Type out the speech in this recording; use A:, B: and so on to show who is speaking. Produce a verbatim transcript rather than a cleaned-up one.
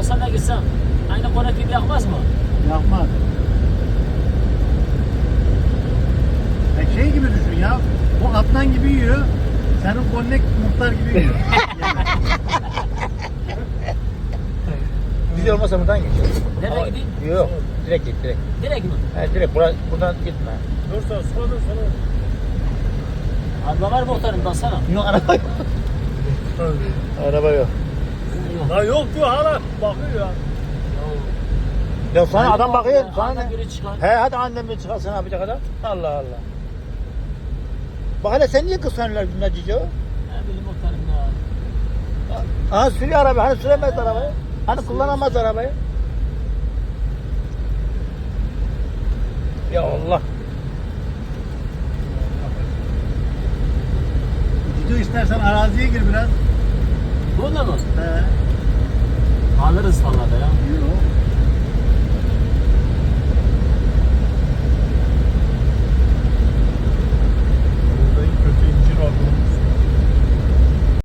A: doksanla gitsem aynı konak gibi yakmaz mı?
B: Yapmaz. Ya şey gibi düşün ya. O atlan gibi yiyor. Senin konnek muhtar gibi yiyor.
C: Güzel olmasa buradan geçiyor.
A: Nereye
C: Ama-
A: gideyim?
C: Yok, direkt git direkt.
A: Direkt mi?
C: He direkt bura, buradan gitme.
D: Dur sen sonra dur sonra.
A: Araba var mı muhtarım baksana?
C: Yok araba yok. Araba yok.
A: Yok.
D: Lan yok diyor hala bakıyor ya.
C: Ya sana
A: Hayır,
C: adam bakıyor.
A: ya,
C: Sana
A: annem
C: ne?
A: biri çıkar.
C: He hadi annem bir çıkarsın yapacak adam. Allah Allah. Bak hele sen niye kıskanıyorlar bunlar Cico?
A: Ne bileyim muhtarım ya.
C: Aha sürüyor araba. Hani süremez arabayı. Hani kullanamaz arabayı. Ya Allah.
B: Gidiyor istersen araziye gir biraz.
A: Bunda mı?
B: He.